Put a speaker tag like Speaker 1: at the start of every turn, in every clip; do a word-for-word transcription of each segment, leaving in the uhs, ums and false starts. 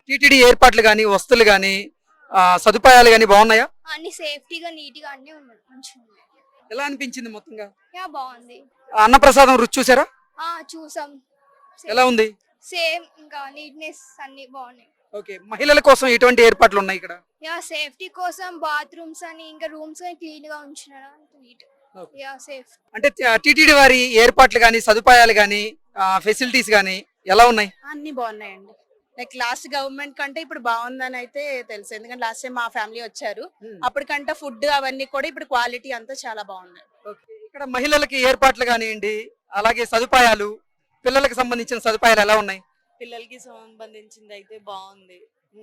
Speaker 1: TTD ఏర్పాట్లు కానీ వస్తువులు కానీ సదుపాయాలు కానీ బాగున్నాయా?
Speaker 2: అన్ని సేఫ్టీగా నీట్గా అన్ని ఉన్నాయి, మంచిగా ఉన్నాయి.
Speaker 1: ఎలా అనిపించింది మొత్తంగా?
Speaker 2: యా బాగుంది.
Speaker 1: అన్నప్రసాదం రుచి చూసారా?
Speaker 2: ఆ చూసాం.
Speaker 1: ఎలా ఉంది?
Speaker 2: సేమ్ ఇంకా నీట్నెస్ అన్ని బాగున్నాయి.
Speaker 1: ఓకే, మహిళల కోసం ఎటువంటి ఏర్పాట్లు ఉన్నాయి ఇక్కడ?
Speaker 2: యా సేఫ్టీ కోసం బాత్రూమ్స్ అని ఇంకా రూమ్స్ అని క్లీన్ గా ఉంచినారు, నీట్. Yeah safe.
Speaker 1: అంటే టీటీడీ వారి ఏర్పాట్లు కానీ సదుపాయాలు కానీ ఫెసిలిటీస్ కానీ ఎలా ఉన్నాయి?
Speaker 3: అన్ని బాగున్నాయండి. లైక్ లాస్ట్ గవర్నమెంట్ కంటే ఇప్పుడు బాగుందని అయితే తెలుసు, ఎందుకంటే లాస్ట్ టైం మా ఫ్యామిలీ వచ్చారు, అప్పటికంటే ఫుడ్ అవన్నీ కూడా ఇప్పుడు క్వాలిటీ అంతా చాలా బాగున్నాయి.
Speaker 1: ఇక్కడ మహిళలకి ఏర్పాట్లు కానివ్వండి, అలాగే సదుపాయాలు, పిల్లలకు సంబంధించిన సదుపాయాలు ఎలా ఉన్నాయి?
Speaker 4: పిల్లలకి సంబంధించింది అయితే బాగుంది.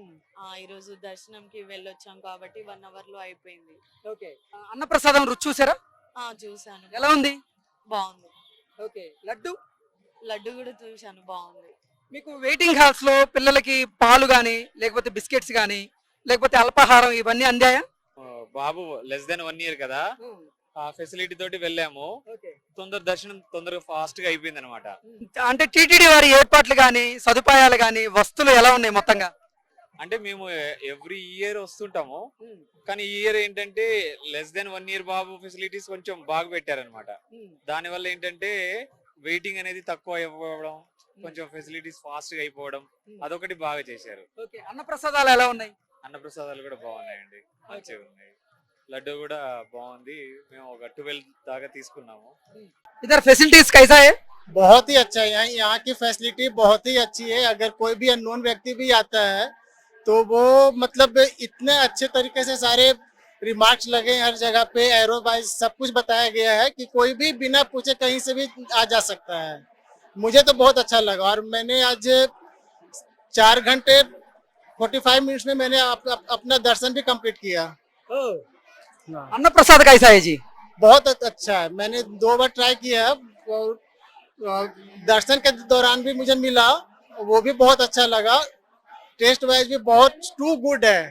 Speaker 4: ఈ రోజు దర్శనంకి వెళ్ళొచ్చాం కాబట్టి వన్ అవర్ లో అయిపోయింది.
Speaker 1: ఓకే, అన్నప్రసాదం రుచి చూసారా?
Speaker 4: ఆ చూసాను.
Speaker 1: ఎలా ఉంది?
Speaker 4: బాగుంది.
Speaker 1: ఓకే, లడ్డు
Speaker 4: లడ్డు కూడా చూసాను, బాగుంది.
Speaker 1: మీకు వెయిటింగ్ హాల్స్ లో పిల్లలకి పాలు గానీ లేకపోతే బిస్కెట్స్ గానీ లేకపోతే అల్పాహారం ఇవన్నీ అందాయా?
Speaker 5: బాబు లెస్ దెన్ వన్ ఇయర్ కదా, ఆ ఫెసిలిటీ తోటి వెళ్ళాము. తొందర దర్శనం తొందరగా ఫాస్ట్ గా అయిపోయింది అనమాట.
Speaker 1: అంటే టీటీడీ వారి ఏర్పాట్లు గానీ సదుపాయాలు గానీ వస్తువులు ఎలా ఉన్నాయి మొత్తంగా?
Speaker 5: అంటే మేము ఎవ్రీ ఇయర్ వస్తుంటాము, కానీ ఈ ఇయర్ ఏంటంటే లెస్ దెన్ వన్ ఇయర్ బాబు ఫెసిలిటీస్ కొంచెం బాగా పెట్టారనమాట. దాని వల్ల ఏంటంటే వెయిటింగ్ అనేది తక్కువ అయిపోవడం, కొంచెం ఫెసిలిటీస్ ఫాస్ట్ గా అయిపోవడం, అదొకటి బాగా చేశారు.
Speaker 1: అన్నప్రసాదాలు ఎలా ఉన్నాయి?
Speaker 5: అన్నప్రసాదాలు కూడా బాగున్నాయండి, మంచిగా ఉన్నాయి. లడ్డు కూడా బాగుంది, మేము ఒక ట్వెల్వ్ దాకా తీసుకున్నాము.
Speaker 1: इधर फैसिलिटीज कैसा है?
Speaker 6: बहुत ही अच्छा है, यहाँ की फैसिलिटी बहुत ही अच्छी है. अगर कोई भी अननोन व्यक्ति भी आता है तो वो मतलब इतने अच्छे तरीके से सारे रिमार्क्स लगे हर जगह पे, एरो वाइज सब कुछ बताया गया है कि कोई भी बिना पूछे कहीं से भी आ जा सकता है. मुझे तो बहुत अच्छा लगा और मैंने आज चार घंटे फोर्टी फाइव मिनट्स में मैंने अप, अप, अपना दर्शन भी कंप्लीट किया.
Speaker 1: अन्नप्रसाद कैसा है जी?
Speaker 6: बहुत अच्छा है, मैंने दो बार ट्राई किया और दर्शन के दौरान भी मुझे मिला, वो भी बहुत अच्छा लगा. टेस्ट वाइज भी बहुत टू गुड है.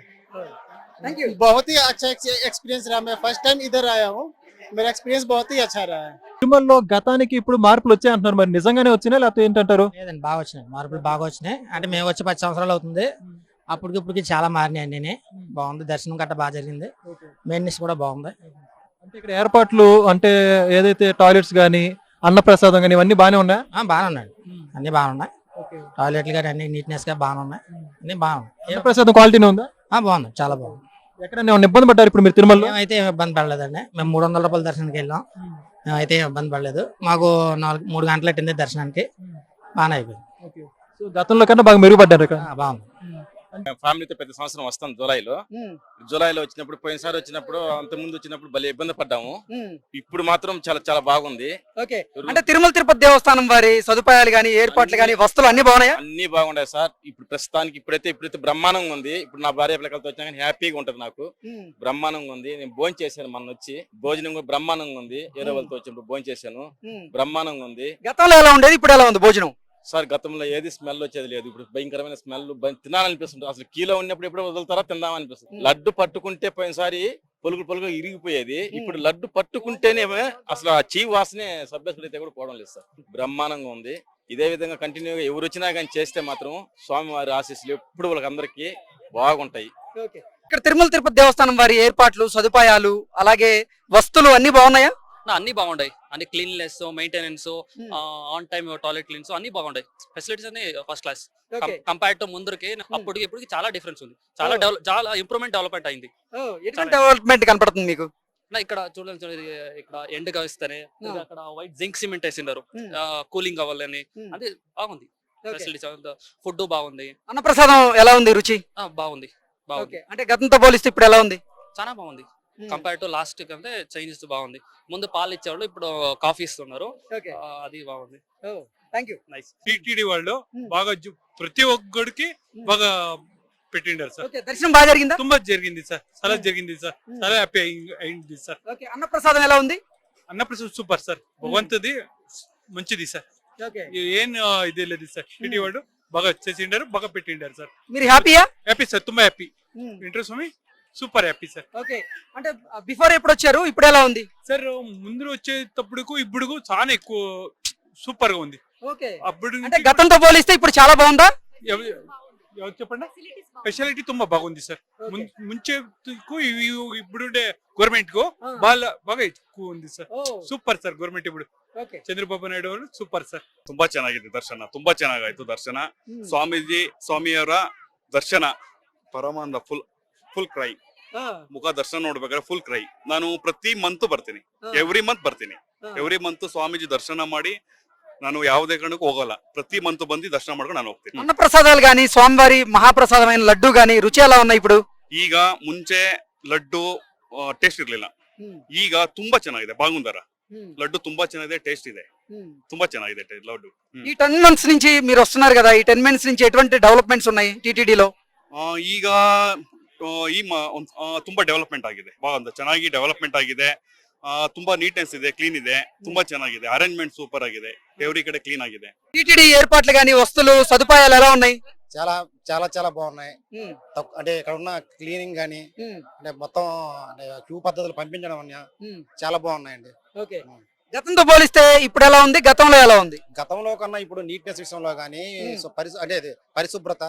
Speaker 1: Thank you.
Speaker 6: बहुत ही अच्छा एक्सपीरियंस रहा. मैं फर्स्ट टाइम इधर आया हूँ, मेरा एक्सपीरियंस बहुत ही अच्छा रहा है.
Speaker 7: తిరుమలలో గతానికి ఇప్పుడు మార్పులు వచ్చాయి అంటున్నారు, మరి నిజంగానే వచ్చినాయి లేకపోతే ఏంటంటారు?
Speaker 8: లేదండి, బాగా వచ్చినాయి, మార్పులు బాగా వచ్చినాయి. అంటే మేము వచ్చి పది సంవత్సరాలు అవుతుంది, అప్పటికి ఇప్పటికి చాలా మారినాయి అన్ని. బాగుంది, దర్శనం గట్ట బాగా జరిగింది, మెయిన్నెస్ కూడా బాగుంది.
Speaker 7: అంటే ఇక్కడ ఏర్పాట్లు అంటే ఏదైతే టాయిలెట్స్ గానీ అన్నప్రసాదం గానీ ఇవన్నీ బాగానే ఉన్నాయి?
Speaker 8: బాగానే ఉన్నాయి, అన్ని బాగున్నాయి. టాయిలెట్లు కానీ అన్ని నీట్నెస్ గా బాగానే ఉన్నాయి, అన్ని బాగున్నాయి.
Speaker 7: అన్నప్రసాదం క్వాలిటీనే ఉందా?
Speaker 8: బాగుంది, చాలా బాగుంది.
Speaker 7: ఎక్కడైనా ఏమైనా ఇబ్బంది పడ్డారు ఇప్పుడు మీరు తిరుమలలో?
Speaker 8: అయితే ఇబ్బంది పడలేదండి, మేము మూడు వందల రూపాయల దర్శనానికి వెళ్ళాం, మేమైతే ఇబ్బంది పడలేదు. మాకు నాలుగు మూడు గంటలు పెట్టింది దర్శనానికి, బాగానే అయిపోయింది.
Speaker 7: సో గతంలో కన్నా బాగా మెరుగుపడ్డారు ఇక్కడ?
Speaker 8: బాగుంది.
Speaker 9: ఫ్యామిలీతో పెద్ద సంవత్సరం వస్తాం జూలైలో. జూలైలో వచ్చినప్పుడు పోయినసారి వచ్చినప్పుడు అంత ముందు వచ్చినప్పుడు భలే ఇబ్బంది పడ్డాము, ఇప్పుడు మాత్రం చాలా చాలా బాగుంది.
Speaker 1: ఓకే, అంటే తిరుమల తిరుపతి దేవస్థానం వారి సదుపాయాలు గానీ ఏర్పాట్లు గానీ వస్తువులు అన్ని బాగున్నాయా?
Speaker 9: అన్ని బాగున్నాయి సార్. ఇప్పుడు ప్రస్తుతానికి ఇప్పుడైతే ఇప్పుడైతే బ్రహ్మాండంగా ఉంది. ఇప్పుడు నా భార్య పిల్లలతో వచ్చా కానీ హ్యాపీగా ఉంటది నాకు, బ్రహ్మాండంగా ఉంది. నేను భోజనం చేశాను, మన వచ్చి భోజనం కూడా బ్రహ్మాండంగా ఉంది. ఏరో వాళ్ళతో వచ్చినప్పుడు భోజనం చేశాను, బ్రహ్మాండంగా ఉంది.
Speaker 1: గతంలో ఎలా ఉండేది, ఇప్పుడు ఎలా ఉంది భోజనం?
Speaker 9: సార్ గతంలో ఏది స్మెల్ వచ్చేది లేదు, ఇప్పుడు భయంకరమైన స్మెల్, తినాలనిపిస్తుంది. అసలు కీలో ఉన్నప్పుడు ఎప్పుడు వదులుతారా తిందామనిపిస్తుంది. లడ్డు పట్టుకుంటే పోయినసారి పొలుగు పొలుగు ఇరిగిపోయేది, ఇప్పుడు లడ్డు పట్టుకుంటేనే అసలు ఆ చీ వాసనే సభ్యసులు అయితే కూడా పోవడం లేదు సార్. బ్రహ్మాండంగా ఉంది. ఇదే విధంగా కంటిన్యూగా ఎవరు వచ్చినా కానీ చేస్తే మాత్రం స్వామివారి ఆశీస్సులు ఎప్పుడు వాళ్ళకి అందరికీ బాగుంటాయి.
Speaker 1: ఇక్కడ తిరుమల తిరుపతి దేవస్థానం వారి ఏర్పాట్లు సదుపాయాలు అలాగే వస్తువులు అన్ని బాగున్నాయా?
Speaker 10: అన్ని బాగుంటాయి, అన్ని cleanliness, maintenance, on time toilet cleans అన్ని బాగుంటాయి. ఫెసిలిటీస్ అన్ని ఫస్ట్ క్లాస్ కంపేర్ టు ముందుకి అప్పటికి ఇప్పటికి చాలా డిఫరెన్స్ ఉంది, చాలా డెవలప్ చాలా ఇంప్రూవ్మెంట్ డెవలప్మెంట్ అయింది.
Speaker 1: డెవలప్మెంట్ కనపడుతుంది మీకు
Speaker 10: ఇక్కడ చూడండి, ఇక్కడ ఎండ్ గా ఇస్తానే అక్కడ వైట్ జింక్ సిమెంట్ వేసినారు కూలింగ్ అవ్వాలని, అది బాగుంది. ఫెసిలిటీస్ ఫుడ్ బాగుంది.
Speaker 1: అన్నప్రసాదం ఎలా ఉంది రుచి?
Speaker 10: బాగుంది, బాగుంది.
Speaker 1: అంటే గతంతో పోలిస్తే ఇప్పుడు ఎలా ఉంది?
Speaker 10: చాలా బాగుంది కంపేర్ టు లాస్ట్ కంటే చేంజెస్ బాగుంది. ముందు పాలు ఇచ్చేవాళ్ళు, ఇప్పుడు కాఫీ ఇస్తున్నారు, అది బాగుంది.
Speaker 11: నైస్. టీటీడీ వాళ్ళు బాగా ప్రతి ఒక్కడికి బాగా పెట్టిండారు సార్.
Speaker 1: దర్శనం బాగా జరిగిందా?
Speaker 11: ತುಂಬಾ జరిగింది సార్, చాలా జరిగింది సార్, చాలా హ్యాపీ అయింది సార్.
Speaker 1: అన్నప్రసాదం ఎలా ఉంది?
Speaker 11: అన్నప్రసాదం సూపర్ సార్, భగవంతుది మంచిది సార్, ఏం ఇదే లేదు సార్. టీటీ వాళ్ళు బాగా చేసిండారు, బాగా పెట్టిండారు సార్.
Speaker 1: మీరు హ్యాపీయా?
Speaker 11: హ్యాపీ సార్, ತುಂಬಾ హ్యాపీ. ఇంట్రెస్ట్ స్వామి సూపర్ హ్యాపీ సార్.
Speaker 1: ఓకే, అంటే బిఫోర్ ఎప్పుడు వచ్చారు, ఇప్పుడు ఎలా ఉంది
Speaker 11: సార్? ముందు వచ్చేటప్పుడు ఇప్పుడు చాలా ఎక్కువ సూపర్ గా ఉంది.
Speaker 1: ఓకే,
Speaker 11: అప్పుడు
Speaker 1: అంటే గతంతో పోలిస్తే ఇప్పుడు చాలా బాగుందా?
Speaker 11: ಯಾವ್ದು చెప్పండి ಫೆಸಿಲಿಟಿ ತುಂಬಾ బాగుంది సార్ ముంచే ఇప్పుడుండే గవర్నమెంట్ కు బాగా బాగా ఎక్కువ ఉంది సార్ ಸೂಪರ್ ಸರ್ ಗವರ್ನಮೆಂಟ್ ఇప్పుడు ಚಂದ್ರಬಾಬು ನಾಯ್ಡು ಅವರು ಸೂಪರ್ ಸರ್.
Speaker 12: ತುಂಬಾ ಚೆನ್ನಾಗಿದೆ ದರ್ಶನ, ತುಂಬಾ ಚೆನ್ನಾಗಾಯ್ತು ದರ್ಶನ. ಸ್ವಾಮೀಜಿ ಸ್ವಾಮಿಯವರ ದರ್ಶನ ಪರಮಾನಂದ, ಫುಲ್ ಫುಲ್ ಕ್ರೈ. ಮುಖ ದರ್ಶನ ನೋಡ್ಬೇಕಾದ್ರೆ ಫುಲ್ ಕ್ರೈ. ನಾನು ಪ್ರತಿ ಮಂತ್ ಬರ್ತೀನಿ, ಎವ್ರಿ ಮಂತ್ ಬರ್ತೀನಿ. ಎವ್ರಿ ಮಂತ್ ಸ್ವಾಮೀಜಿ ದರ್ಶನ ಮಾಡಿ ನಾನು ಯಾವುದೇ ಕಾರಣಕ್ಕೂ ಹೋಗಲ್ಲ. ಪ್ರತಿ ಮಂತ್ ಬಂದು ದರ್ಶನ ಮಾಡ್ಕೊಂಡು ನಾನು ಹೋಗ್ತೀನಿ.
Speaker 1: అన్న ప్రసాదాలు గాని స్వామివారి మహాప్రసాదమైన లడ్డు గాని రుచి ఎలా ఉన్నాయి ఇప్పుడు?
Speaker 12: ಈಗ ಮುಂಚೆ ಲಡ್ಡು ಟೇಸ್ಟ್ ಇರ್ಲಿಲ್ಲ, ಈಗ ತುಂಬಾ ಚೆನ್ನಾಗಿದೆ. ಬಾಗುಂದರ లడ్డు ತುಂಬಾ ಚೆನ್ನಾಗಿದೆ, టేస్ట్ ಇದೆ, ತುಂಬಾ ಚೆನ್ನಾಗಿದೆ లడ్డు.
Speaker 1: ఈ టెన్ మంత్స్ నుంచి మీరు వస్తున్నారు కదా, ఈ టెన్ మంత్స్ నుంచి ఎటువంటి డెవలప్మెంట్స్ ఉన్నాయి టీటీడీలో?
Speaker 12: ಈಗ ಈ ತುಂಬಾ ಡೆವಲಪ್ಮೆಂಟ್ ಆಗಿದೆ, ಬಾಗುಂದ ಚೆನ್ನಾಗಿ ಡೆವಲಪ್ಮೆಂಟ್ ಆಗಿದೆ. ತುಂಬಾ ನೀಟ್ನೆಸ್ ಇದೆ, ಕ್ಲೀನ್ ಇದೆ, ತುಂಬಾ ಚೆನ್ನಾಗಿದೆ. ಅರೇಂಜ್ಮೆಂಟ್ సూపర్ ಆಗಿದೆ, ఎవ్రీ కಡೆ క్లీన్ ఆಗಿದೆ.
Speaker 1: టీటీడీ ఏర్పాట్లు గాని వస్తువులు సదుపాయాలు ఎలా ఉన్నాయి?
Speaker 13: చాలా చాలా చాలా బాగున్నాయి. అంటే ఇక్కడ ఉన్న క్లీనింగ్ గానీ, అంటే మొత్తం అంటే క్యూ పద్ధతులు పంపించడం అన్న చాలా బాగున్నాయండి.
Speaker 1: ఓకే, గతంతో పోలిస్తే ఇప్పుడు ఎలా ఉంది, గతంలో ఎలా ఉంది?
Speaker 13: గతంలో కన్నా ఇప్పుడు నీట్నెస్ విషయంలో గానీ, పరిశు అంటే అది పరిశుభ్రత,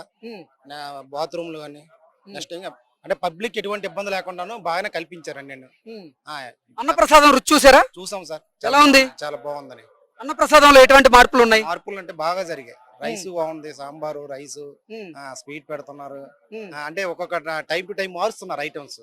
Speaker 13: బాత్రూమ్లు కానీ, నెక్స్ట్ ఇంకా అంటే పబ్లిక్ ఎటువంటి ఇబ్బంది లేకుండాను బాగానే కల్పించారండి. నేను
Speaker 1: అన్నప్రసాదం రుచి చూసారా?
Speaker 13: చూసాం సార్,
Speaker 1: ఎలా ఉంది?
Speaker 13: చాలా బాగుందని.
Speaker 1: అన్నప్రసాదంలో ఎటువంటి మార్పులు ఉన్నాయి?
Speaker 13: మార్పులు అంటే బాగా జరిగాయి. రైస్ బాగుంది, సాంబారు, రైస్, స్వీట్ పెడుతున్నారు. అంటే ఒక్కొక్క టైం టు టైం మారుస్తున్నారు ఐటమ్స్.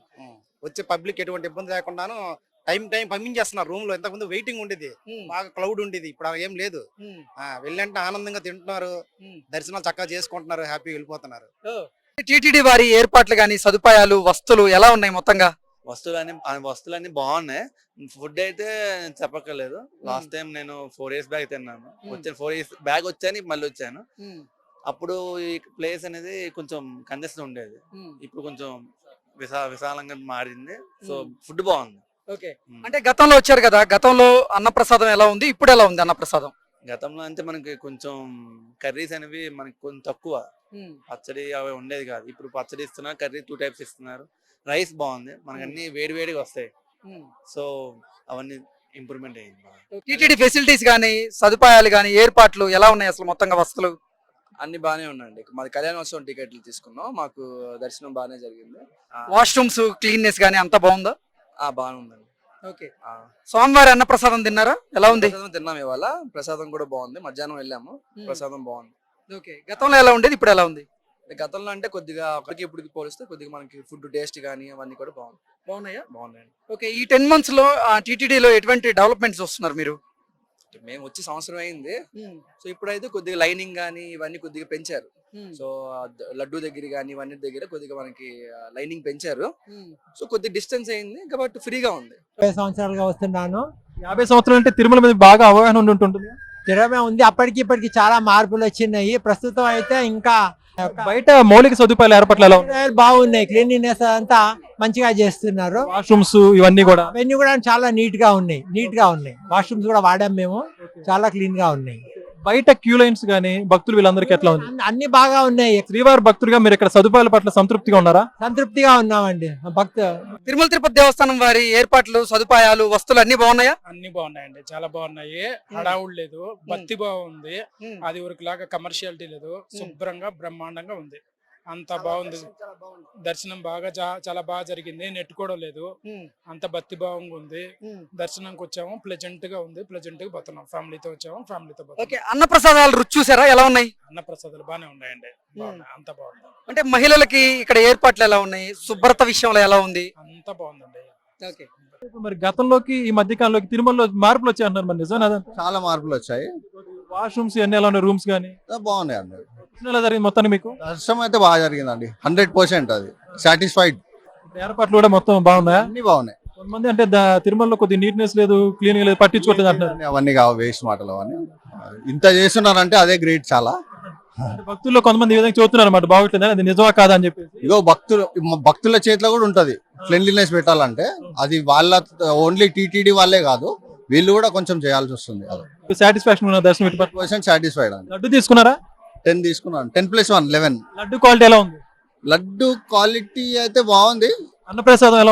Speaker 13: వచ్చే పబ్లిక్ ఎటువంటి ఇబ్బంది లేకుండాను టైం టైం పంపించేస్తున్నారు. రూమ్ లో ఇంతకుముందు వెయిటింగ్ ఉండేది, బాగా క్లౌడ్ ఉండేది, ఇప్పుడు ఏం లేదు. వెళ్ళంటే ఆనందంగా తింటున్నారు, దర్శనాలు చక్కగా చేసుకుంటున్నారు, హ్యాపీగా వెళ్ళిపోతున్నారు.
Speaker 1: టీటీడీ వారి ఏర్పాట్లు గాని, సదుపాయాలు, వస్తువులు ఎలా ఉన్నాయి మొత్తంగా?
Speaker 14: వస్తువులన్నీ వస్తువులన్నీ బాగున్నాయి. ఫుడ్ అయితే చెప్పక్కర్లేదు. లాస్ట్ టైం నేను ఫోర్ ఇయర్స్ బ్యాక్ తిన్నాను. వచ్చాను ఫోర్ ఇయర్స్ బ్యాక్ వచ్చాను, మళ్ళీ వచ్చాను. అప్పుడు ఈ ప్లేస్ అనేది కొంచెం కంజెస్ట్ ఉండేది, ఇప్పుడు కొంచెం విశా విశాలంగా మారింది. సో ఫుడ్ బాగుంది.
Speaker 1: ఓకే, అంటే గతంలో వచ్చారు కదా, గతంలో అన్నప్రసాదం ఎలా ఉంది, ఇప్పుడు ఎలా ఉంది అన్నప్రసాదం?
Speaker 14: గతంలో అంటే మనకి కొంచెం కర్రీస్ అనేవి మనకి కొంచెం తక్కువ, పచ్చడి అవి ఉండేది కాదు. ఇప్పుడు పచ్చడి ఇస్తున్నారు, కర్రీ టూ టైప్స్ ఇస్తున్నారు. రైస్ బాగుంది, మనకి అన్ని వేడి వేడిగా వస్తాయి. సో అవన్నీ ఇంప్రూవ్మెంట్ అయ్యింది.
Speaker 1: టీటీడీ ఫెసిలిటీస్ గానీ, సదుపాయాలు గానీ, ఏర్పాట్లు ఎలా ఉన్నాయి అసలు మొత్తంగా వస్తువులు?
Speaker 15: అన్ని బాగానే ఉన్నాయండి. మాది కళ్యాణోత్సవం టికెట్లు తీసుకున్నాం, మాకు దర్శనం బాగానే జరిగింది.
Speaker 1: వాష్రూమ్స్ క్లీన్నెస్ గానీ అంతా బాగుందా?
Speaker 15: బాగానే ఉందండి.
Speaker 1: ఓకే, స్వామివారి అన్న ప్రసాదం తిన్నారా? ఎలా ఉంది?
Speaker 15: తిన్నాం ఇవాళ, ప్రసాదం కూడా బాగుంది. మధ్యాహ్నం వెళ్ళాము, ప్రసాదం బాగుంది.
Speaker 1: ఓకే, గతంలో ఎలా ఉండేది, ఇప్పుడు ఎలా ఉంది?
Speaker 15: గతంలో అంటే కొద్దిగా అప్పటికి ఇప్పటికి పోలిస్తే కొద్దిగా మనకి ఫుడ్ టేస్ట్ కానీ అవన్నీ కూడా బాగుంది.
Speaker 1: బాగున్నాయా?
Speaker 15: బాగున్నాయండి.
Speaker 1: ఓకే, ఈ టెన్ మంత్స్ లో టీటీడీలో ఎటువంటి డెవలప్మెంట్స్ వస్తున్నారు మీరు?
Speaker 15: మేము వచ్చి సంవత్సరం అయింది. సో ఇప్పుడైతే కొద్దిగా లైనింగ్ కానీ ఇవన్నీ కొద్దిగా పెంచారు. సో లడ్డు దగ్గర కానీ ఇవన్నీ దగ్గర కొద్దిగా మనకి లైనింగ్ పెంచారు. సో కొద్దిగా డిస్టెన్స్ అయింది కాబట్టి ఫ్రీగా ఉంది.
Speaker 16: యాభై సంవత్సరాలుగా వస్తున్నాను.
Speaker 7: యాభై సంవత్సరాలు అంటే తిరుమల మీద బాగా అవగాహన ఉండి ఉంటుంది.
Speaker 16: తిరుమల ఉంది, అప్పటికి ఇప్పటికి చాలా మార్పులు వచ్చినాయి. ప్రస్తుతం అయితే ఇంకా
Speaker 7: బయట మౌలిక సదుపాయాలు ఏర్పాట్లు ఎలా ఉన్నాయి?
Speaker 16: బాగున్నాయి, క్లీనినెస్ అంతా మంచిగా చేస్తున్నారు.
Speaker 7: వాష్రూమ్స్ ఇవన్నీ కూడా
Speaker 16: అవన్నీ కూడా చాలా నీట్ గా ఉన్నాయి, నీట్ గా ఉన్నాయి. వాష్రూమ్స్ కూడా వాడాం మేము, చాలా క్లీన్ గా ఉన్నాయి.
Speaker 7: బయట క్యూ లైన్స్ గానీ, భక్తులు వీళ్ళందరికీ ఎట్లా ఉంది?
Speaker 16: అన్ని బాగా ఉన్నాయి.
Speaker 7: శ్రీవారి భక్తులుగా మీరు ఇక్కడ సదుపాయాల పట్ల సంతృప్తిగా ఉన్నారా?
Speaker 16: సంతృప్తిగా ఉన్నామండి. భక్తు
Speaker 1: తిరుమల తిరుపతి దేవస్థానం వారి ఏర్పాట్లు, సదుపాయాలు, వస్తువులు అన్ని బాగున్నాయా?
Speaker 17: అన్ని బాగున్నాయండి, చాలా బాగున్నాయి. హడావుడు లేదు, భక్తి బాగుంది. అది ఊరికిలాగా కమర్షియాలిటీ లేదు, శుభ్రంగా బ్రహ్మాండంగా ఉంది. అంత బాగుంది. దర్శనం బాగా చాలా బాగా జరిగింది, నెట్టుకోవడం లేదు. అంత భక్తి భావంగా ఉంది. దర్శనంకి వచ్చాము, ప్లెజెంట్ గా ఉంది. ప్లెజెంట్ గా పోతున్నాం, ఫ్యామిలీతో వచ్చాము, ఫ్యామిలీతో
Speaker 1: పోతున్నాం. అన్న ప్రసాదాలు రుచి చూసారా? ఎలా ఉన్నాయి?
Speaker 17: అన్న ప్రసాదాలు బాగానే ఉన్నాయండి, అంత బాగుంది.
Speaker 1: అంటే మహిళలకి ఇక్కడ ఏర్పాట్లు ఎలా ఉన్నాయి, శుభ్రత విషయంలో ఎలా ఉంది?
Speaker 17: అంత బాగుందండి.
Speaker 1: ఓకే,
Speaker 7: మరి గతంలోకి ఈ మధ్య కాలంలోకి తిరుమలలో మార్పులు వచ్చాయి అంటున్నారు, మరి నిజం?
Speaker 18: చాలా మార్పులు వచ్చాయి.
Speaker 7: వాష్రూమ్స్ అన్ని ఎలా ఉన్నాయి, రూమ్స్ కానీ
Speaker 18: బాగున్నాయి అండి.
Speaker 7: ఎలా జరిగింది మొత్తాన్ని మీకు?
Speaker 18: దర్శనం అయితే బాగా జరిగిందండి, హండ్రెడ్ పర్సెంట్ అది సాటిస్ఫైడ్.
Speaker 7: ఏర్పాట్లు కూడా మొత్తం బాగున్నాయా?
Speaker 18: అన్ని బాగున్నాయి.
Speaker 7: కొంతమంది అంటే తిరుమలలో కొద్దిగా నీట్నెస్ లేదు, క్లీన్ లేదు, పట్టించుకోవట్లేదు అంటున్నారు.
Speaker 18: అవన్నీ కావు, వేస్ట్ మాటలు అవన్నీ. ఇంత చేస్తున్నారంటే అదే గ్రేట్ చాలా.
Speaker 7: భక్తుల్లో కొంతమంది ఈ విధంగా చూస్తున్నారు అన్నమాట, బాగుంటుంది, అది నిజమా కాదా అని చెప్పి.
Speaker 18: ఇగో భక్తులు భక్తుల చేతిలో కూడా ఉంటది క్లీన్లీనెస్ పెట్టాలంటే. అది వాళ్ళ ఓన్లీ టీటీడీ వాళ్ళే కాదు, వీళ్ళు కూడా కొంచెం చేయాల్సి వస్తుంది.
Speaker 7: సాటిస్ఫాక్షన్ దర్శనం
Speaker 18: పర్సెంట్ సాటిస్ఫైడ్ అండి.
Speaker 7: లడ్డు తీసుకున్నారా?
Speaker 18: టెన్ తీసుకున్నాను, ten plus one eleven.
Speaker 7: Laddu quality ఎలా ఉంది?
Speaker 18: లడ్డు క్వాలిటీ అయితే బాగుంది.
Speaker 7: అన్నప్రసాదం ఎలా ఉంది?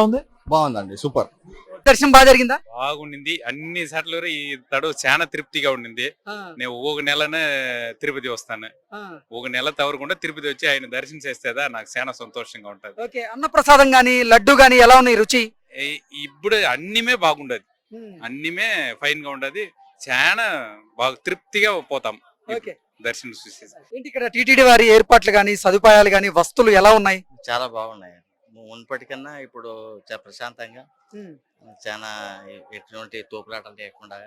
Speaker 18: బాగుందండి, సూపర్.
Speaker 1: దర్శనం బాగా జరిగిందా?
Speaker 5: బాగుండింది అన్ని సార్లు ఈ తడు చాలా తృప్తిగా ఉండింది. నేను ఒక నెలనే తిరుపతి వస్తాను, ఒక నెల తవరకుండా తిరుపతి వచ్చి ఆయన దర్శనం చేస్తేదా నాకు చాలా సంతోషంగా ఉంటది.
Speaker 1: ఓకే, అన్నప్రసాదం గానీ లడ్డు గానీ ఎలా ఉన్నాయి రుచి?
Speaker 5: ఈ- ఇప్పుడు అన్నిమే బాగుండదు, అన్నిమే ఫైన్ గా ఉండదు, చాలా బాగా తృప్తిగా పోతాం
Speaker 1: ఓకే,
Speaker 5: దర్శనం చూసేసి.
Speaker 1: ఏంటి ఇక్కడ టీటీడీ వారి ఏర్పాట్లు గానీ సదుపాయాలు గానీ వస్తువులు ఎలా ఉన్నాయి?
Speaker 19: చాలా బాగున్నాయి. మున్పటికన్నా ఇప్పుడు చాలా ప్రశాంతంగా, చాలా ఎటువంటి తోపులాటలు లేకుండా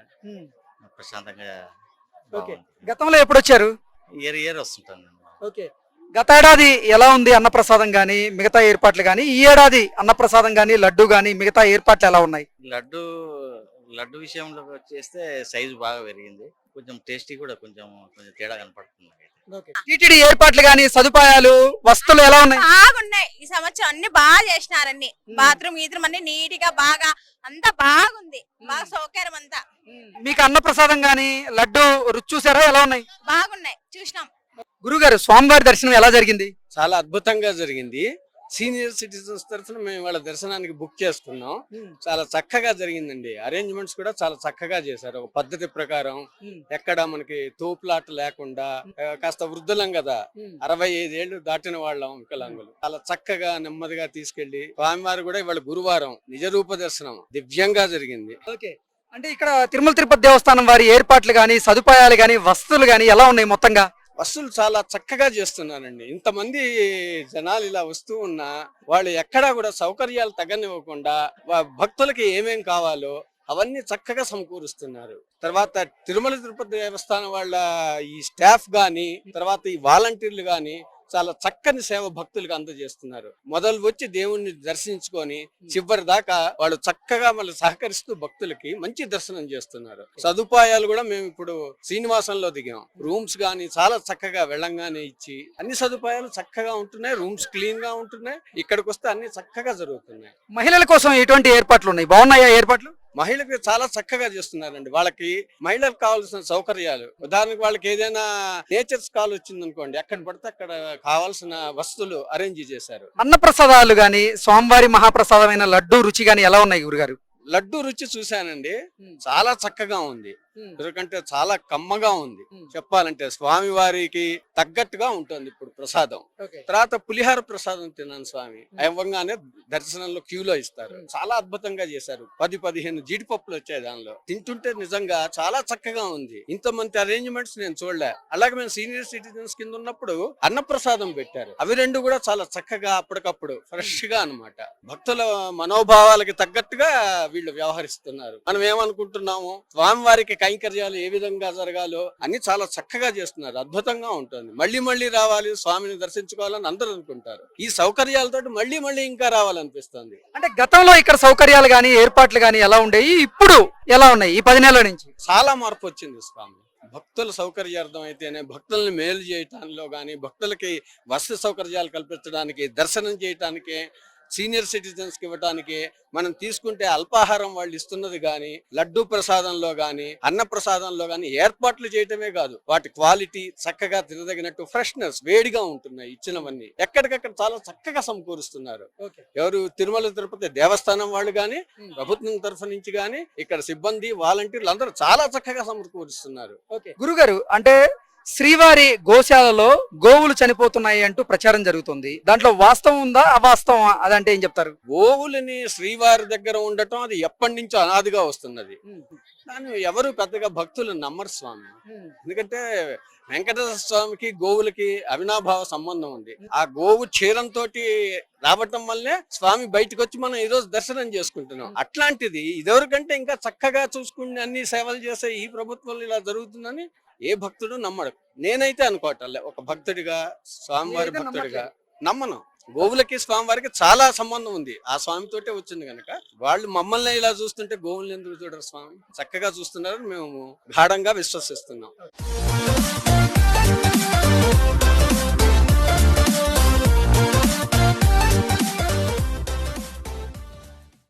Speaker 19: ప్రశాంతంగా
Speaker 1: ఓకే, గతంలో ఎప్పుడు వచ్చారు?
Speaker 19: Year year వస్తుంటాను.
Speaker 1: ఓకే, గత ఏడాది ఎలా ఉంది అన్నప్రసాదం గానీ మిగతా ఏర్పాట్లు గానీ, ఈ ఏడాది అన్నప్రసాదం గానీ లడ్డు గానీ మిగతా ఏర్పాట్లు ఎలా ఉన్నాయి?
Speaker 19: లడ్డు లడ్డు విషయంలో వచ్చేస్తే సైజు బాగా పెరిగింది, కొంచెం టేస్టీ కూడా కొంచెం కొంచెం తేడా కనపడుతుంది.
Speaker 1: టీటీడీ ఏర్పాట్లు గానీ సదుపాయాలు వస్తువులు ఎలా ఉన్నాయి?
Speaker 20: బాగున్నాయి. ఈ సంవత్సరం అన్ని బాగా చేసినారన్ని, బాత్రూమ్ గీత్రూమ్ అన్ని నీట్ గా బాగా అంతా బాగుంది, బాగా సౌకర్యం అంతా.
Speaker 1: మీకు అన్నప్రసాదం గానీ లడ్డు రుచి చూసారా, ఎలా ఉన్నాయి?
Speaker 20: బాగున్నాయి, చూసినాం.
Speaker 1: గురుగారు, స్వామివారి దర్శనం ఎలా జరిగింది?
Speaker 21: చాలా అద్భుతంగా జరిగింది. సీనియర్ సిటిజన్స్ తరఫున మేము వాళ్ళ దర్శనానికి బుక్ చేసుకున్నాం. చాలా చక్కగా జరిగిందండి. అరేంజ్మెంట్స్ కూడా చాలా చక్కగా చేశారు, ఒక పద్ధతి ప్రకారం. ఎక్కడ మనకి తోపులాట లేకుండా, ఆ, కాస్త వృద్ధులం కదా, అరవై ఐదేళ్లు దాటిన వాళ్ళం వికలాంగులు. చాలా చక్కగా నెమ్మదిగా తీసుకెళ్లి స్వామివారు కూడా ఇవాళ గురువారం నిజరూప దర్శనం దివ్యంగా జరిగింది.
Speaker 1: ఓకే, అంటే ఇక్కడ తిరుమల తిరుపతి దేవస్థానం వారి ఏర్పాట్లు గానీ సదుపాయాలు గానీ వస్తువులు గానీ ఎలా ఉన్నాయి మొత్తంగా?
Speaker 21: వస్తువులు చాలా చక్కగా చేస్తున్నారండి. ఇంతమంది జనాలు ఇలా వస్తూ ఉన్నా వాళ్ళు ఎక్కడా కూడా సౌకర్యాలు తగ్గనివ్వకుండా వా- భక్తులకి ఏమేం కావాలో అవన్నీ చక్కగా సమకూరుస్తున్నారు. తర్వాత తిరుమల తిరుపతి దేవస్థానం వాళ్ళ ఈ స్టాఫ్ గాని, తర్వాత ఈ వాలంటీర్లు గాని చాలా చక్కని సేవ భక్తులకు అందజేస్తున్నారు. మొదలు వచ్చి దేవుణ్ణి దర్శించుకొని చివరి దాకా వాళ్ళు చక్కగా మళ్ళీ సహకరిస్తూ భక్తులకి మంచి దర్శనం చేస్తున్నారు. సదుపాయాలు కూడా మేము ఇప్పుడు శ్రీనివాసంలో దిగాం, రూమ్స్ గాని చాలా చక్కగా వెళ్ళంగానే ఇచ్చి అన్ని సదుపాయాలు చక్కగా ఉంటున్నాయి, రూమ్స్ క్లీన్ గా ఉంటున్నాయి. ఇక్కడికి వస్తే అన్ని చక్కగా జరుగుతున్నాయి.
Speaker 1: మహిళల కోసం ఎటువంటి ఏర్పాట్లు ఉన్నాయి, బాగున్నాయా ఏర్పాట్లు?
Speaker 21: మహిళలకు చాలా చక్కగా చేస్తున్నారండి. వాళ్ళకి మహిళలకు కావాల్సిన సౌకర్యాలు, ఉదాహరణకు వాళ్ళకి ఏదైనా నేచర్స్ కాల్ వచ్చింది అనుకోండి, ఎక్కడ పడితే అక్కడ కావాల్సిన వస్తువులు అరేంజ్ చేశారు.
Speaker 1: అన్నప్రసాదాలు గానీ స్వామివారి మహాప్రసాదమైన లడ్డు రుచి గానీ ఎలా ఉన్నాయి గురుగారు?
Speaker 21: లడ్డు రుచి చూశానండి, చాలా చక్కగా ఉంది, ఎందుకంటే చాలా కమ్మగా ఉంది. చెప్పాలంటే స్వామి వారికి తగ్గట్టుగా ఉంటుంది ఇప్పుడు ప్రసాదం. తర్వాత పులిహార ప్రసాదం తిన్నాను స్వామి, ఇవ్వగానే దర్శనంలో క్యూలో ఇస్తారు. చాలా అద్భుతంగా చేశారు. పది పదిహేను జీడిపప్పులు వచ్చాయి దానిలో, తింటుంటే నిజంగా చాలా చక్కగా ఉంది. ఇంతమంది అరేంజ్మెంట్స్ నేను చూడలే. అలాగే మేము సీనియర్ సిటిజన్స్ కింద ఉన్నప్పుడు అన్నప్రసాదం పెట్టారు, అవి రెండు కూడా చాలా చక్కగా అప్పటికప్పుడు ఫ్రెష్ గా అన్నమాట. భక్తుల మనోభావాలకి తగ్గట్టుగా వీళ్ళు వ్యవహరిస్తున్నారు. మనం ఏమనుకుంటున్నాము, స్వామివారికి కైంకర్యాలు ఏ విధంగా జరగాలో అన్ని చాలా చక్కగా చేస్తున్నారు. అద్భుతంగా ఉంటుంది. మళ్ళీ మళ్ళీ రావాలి, స్వామిని దర్శించుకోవాలని అందరూ అనుకుంటారు. ఈ సౌకర్యాలతో మళ్ళీ మళ్ళీ ఇంకా రావాలనిపిస్తుంది.
Speaker 1: అంటే గతంలో ఇక్కడ సౌకర్యాలు గానీ ఏర్పాట్లు గానీ ఎలా ఉండేవి, ఇప్పుడు ఎలా ఉన్నాయి ఈ పది నెలల నుంచి?
Speaker 21: చాలా మార్పు వచ్చింది స్వామి. భక్తుల సౌకర్యార్థం అయితేనే, భక్తుల్ని మేలు చేయటానిలో గాని, భక్తులకి వసతి సౌకర్యాలు కల్పించడానికి, దర్శనం చేయటానికి, సీనియర్ సిటిజన్స్ కి ఇవ్వటానికి, మనం తీసుకుంటే అల్పాహారం వాళ్ళు ఇస్తున్నది గాని, లడ్డూ ప్రసాదంలో గాని, అన్న ప్రసాదంలో గాని ఏర్పాట్లు చేయటమే కాదు, వాటి క్వాలిటీ చక్కగా తినదగినట్టు ఫ్రెష్నెస్ వేడిగా ఉంటున్నాయి. ఇచ్చినవన్నీ ఎక్కడికక్కడ చాలా చక్కగా సమకూరుస్తున్నారు. ఎవరు తిరుమల తిరుపతి దేవస్థానం వాళ్ళు గాని, ప్రభుత్వం తరఫు నుంచి గాని, ఇక్కడ సిబ్బంది వాలంటీర్లు అందరూ చాలా చక్కగా సమకూరుస్తున్నారు.
Speaker 1: గురుగారు, అంటే శ్రీవారి గోశాలలో గోవులు చనిపోతున్నాయి అంటూ ప్రచారం జరుగుతుంది, దాంట్లో వాస్తవం ఉందా అవాస్తవం, అదంటే ఏం చెప్తారు?
Speaker 21: గోవులని శ్రీవారి దగ్గర ఉండటం అది ఎప్పటి నుంచో అనాదిగా వస్తున్నది. కానీ ఎవరు పెద్దగా భక్తులు నమ్మరు స్వామి. ఎందుకంటే వెంకటేశ్వర స్వామికి గోవులకి అవినాభావ సంబంధం ఉంది. ఆ గోవు క్షీరంతో రావటం వల్లే స్వామి బయటకు వచ్చి మనం ఈ రోజు దర్శనం చేసుకుంటున్నాం. అట్లాంటిది ఇదివరకంటే ఇంకా చక్కగా చూసుకుని అన్ని సేవలు చేసే ఈ ప్రభుత్వంలో ఇలా జరుగుతుందని ఏ భక్తుడు నమ్మడు. నేనైతే అనుకోవట్లే, ఒక భక్తుడిగా, స్వామివారి భక్తుడిగా నమ్మను. గోవులకి స్వామివారికి చాలా సంబంధం ఉంది, ఆ స్వామితోటే వచ్చింది కనుక. వాళ్ళు మమ్మల్ని ఇలా చూస్తుంటే గోవుల్ని ఎందుకు చూడరు? స్వామి చక్కగా చూస్తున్నారని మేము గాఢంగా విశ్వసిస్తున్నాం.